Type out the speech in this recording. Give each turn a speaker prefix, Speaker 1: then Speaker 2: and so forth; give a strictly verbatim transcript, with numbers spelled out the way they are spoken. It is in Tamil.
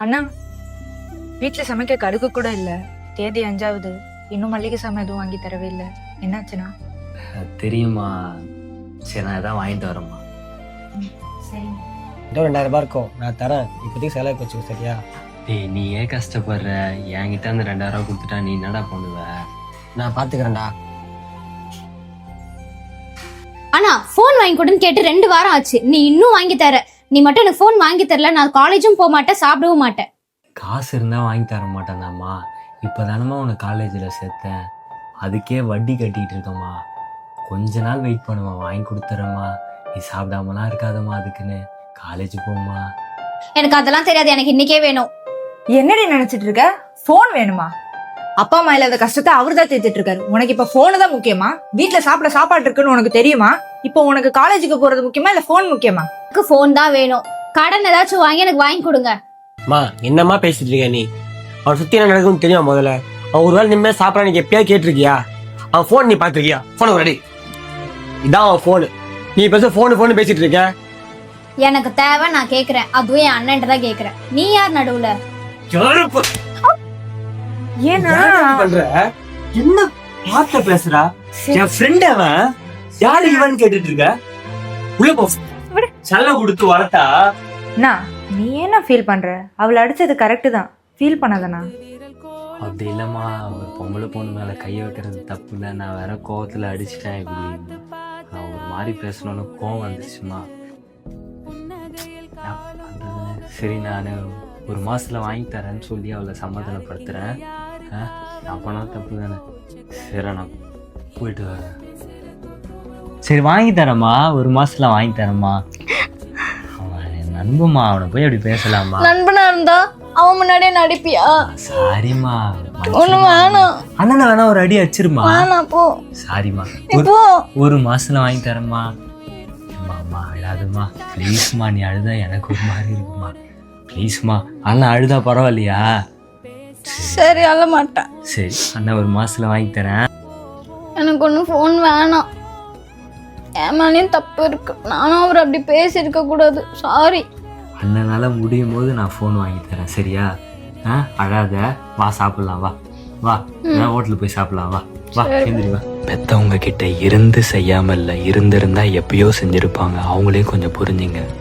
Speaker 1: அண்ணா, வீட்டுல சமைக்க கடுகு கூட இல்ல. தேதி அஞ்சாவது, இன்னும் மல்லிகை சாமான் எதுவும் வாங்கி தரவே இல்லை. என்னாச்சுண்ணா?
Speaker 2: தெரியுமா? சரி, நான் எதாவது வாங்கிட்டு வரேம்மா.
Speaker 1: சரி,
Speaker 3: இன்னும் ரெண்டாயிரம் ரூபாய் இருக்கும், நான் தரேன். இப்போதைக்கு செலவுக்கு வச்சுக்கோ, சரியா?
Speaker 2: டேய், நீ ஏன் கஷ்டப்படுற? என்கிட்ட அந்த ரெண்டாயிரம் ரூபா கொடுத்துட்டா நீ என்னடா பண்ணுவ?
Speaker 3: நான் பாத்துக்கிறேன்டா.
Speaker 4: ஆனா போன் வாங்கி கொடுன்னு கேட்டு ரெண்டு வாரம் ஆச்சு, நீ இன்னும் வாங்கி தர. நீ மட்டும் எனக்கு போன் வாங்கி தரல, நான் காலேஜும் போக மாட்டேன், சாப்பிடவும் மாட்டேன்.
Speaker 2: காசு இருந்தா வாங்கி தர மாட்டேன்தாம்மா. இப்போதானம்மா உனக்கு காலேஜில் சேர்த்தேன், அதுக்கே வட்டி கட்டிட்டு இருக்கம்மா. கொஞ்ச நாள் வெயிட் பண்ணுமா, வாங்கி கொடுத்துறேம்மா. நீ சாப்பிடாமலாம் இருக்காதம்மா, அதுக்குன்னு காலேஜ் போம்மா.
Speaker 4: எனக்கு அதெல்லாம் தெரியாது, எனக்கு இன்னைக்கே வேணும்.
Speaker 1: என்னடி நினைச்சிட்டு இருக்க? போன் வேணுமா? அப்பா அம்மா இல்லாத கஷ்டத்தை அவரு தான் தேத்திட்டு இருக்காரு. உனக்கு இப்ப போனு தான் முக்கியமா? வீட்டுல சாப்பிட சாப்பாடு இருக்குன்னு உனக்கு தெரியுமா? இப்போ உனக்கு காலேஜுக்கு போறது முக்கியமா இல்ல போன் முக்கியமா?
Speaker 4: எனக்கு போன் தான் வேணும். கடன் ஏதாச்சும் வாங்கி எனக்கு வாங்கி கொடுங்க.
Speaker 3: அம்மா, என்னம்மா பேசிட்டு இருக்க நீ? அவன் சுத்தி என்ன நடக்குன்னு தெரியுமா? முதல்ல அவன் ஒரு வேளை நிம்மதியா சாப்பிடா நீ எப்பயாவது கேட்டிருக்கியா? அவன் போன் நீ பாத்துருக்கியா? போன ரெடி, இதான் அவன் போனு. நீ பேச போனு போனு பேசிட்டு இருக்க.
Speaker 4: எனக்கு தேவை, நான் கேக்குறேன். அதுவும் என் அண்ணன் தான் கேக்குறேன். நீ யார் நடுவுல?
Speaker 1: ஏன்னா
Speaker 3: பண்ற என்ன வார்த்தை பேசுறா? என் ஃப்ரெண்ட் அவன். யாரு இவன் கேட்டுட்டு இருக்க? உள்ள போ. செல்ல கொடுத்து வளர்த்தா
Speaker 1: அண்ணா, நீ என்ன ஃபீல் பண்ற? அவளை அடிச்சது கரெக்ட் தான், ஃபீல் பண்ணாதண்ணா.
Speaker 2: அப்படி இல்லைம்மா, ஒரு பொம்பளை பொண்ணு மேலே கையை வைக்கிறது தப்பு இல்லை. நான் வேற கோவத்தில் அடிச்சிட்டேன். இப்படி நான் ஒரு மாதிரி பேசணும்னு கோவம் வந்துச்சுமா. சரி, நான் ஒரு மாசத்துல வாங்கி தரேன்னு சொல்லி அவளை சமாதானப்படுத்துறேன். நான் பண்ண தப்பு தானே. சரி, நான் போயிட்டு வரேன். சரி, வாங்கி தரேம்மா, ஒரு மாசத்துல வாங்கி தரேம்மா. அவன் என் நண்பம்மா, அவனை போய் அப்படி பேசலாமா?
Speaker 4: நண்பனா இருந்தா அவன் முன்னாடியே நடிப்பியா?
Speaker 2: சாரிம்மா.
Speaker 4: ஒண்ணு வேணாம்.
Speaker 2: அண்ணா வேணா ஒரு அடி அடிச்சிருமா.
Speaker 4: வேணாம், போ.
Speaker 2: சாரிம்மா,
Speaker 4: இப்போ
Speaker 2: ஒரு மாசத்துல வாங்கி தரேம்மா. அம்மா அழாதுமா, ப்ளீஸ்மா. நீ அழுதா எனக்கு ஒரு மாதிரி இருக்குமா, ப்ளீஸ்மா. அண்ணா அழுதா பரவாயில்லையா?
Speaker 4: சரி, அழ மாட்டேன்.
Speaker 2: சரி, அண்ணா ஒரு மாசத்துல வாங்கி தரேன்.
Speaker 4: எனக்கு ஒன்றும் ஃபோன் வேணாம். என் மேலேயும் தப்பு இருக்கு. நானும் அவர் அப்படி பேசியிருக்க கூடாது. சாரி.
Speaker 2: அண்ணனால முடியும் போது நான் ஃபோன் வாங்கி தரேன், சரியா? ஆ, அழாத. வா, சாப்பிடலாம். வா வா, ஹோட்டலுக்கு போய் சாப்பிடலாம். வா வா, எந்திரி வா. பெத்தவங்க கிட்ட இருந்து செய்யாம இல்லை, இருந்திருந்தா எப்பயோ செஞ்சிருப்பாங்க. அவங்களே கொஞ்சம் புரிஞ்சுங்க.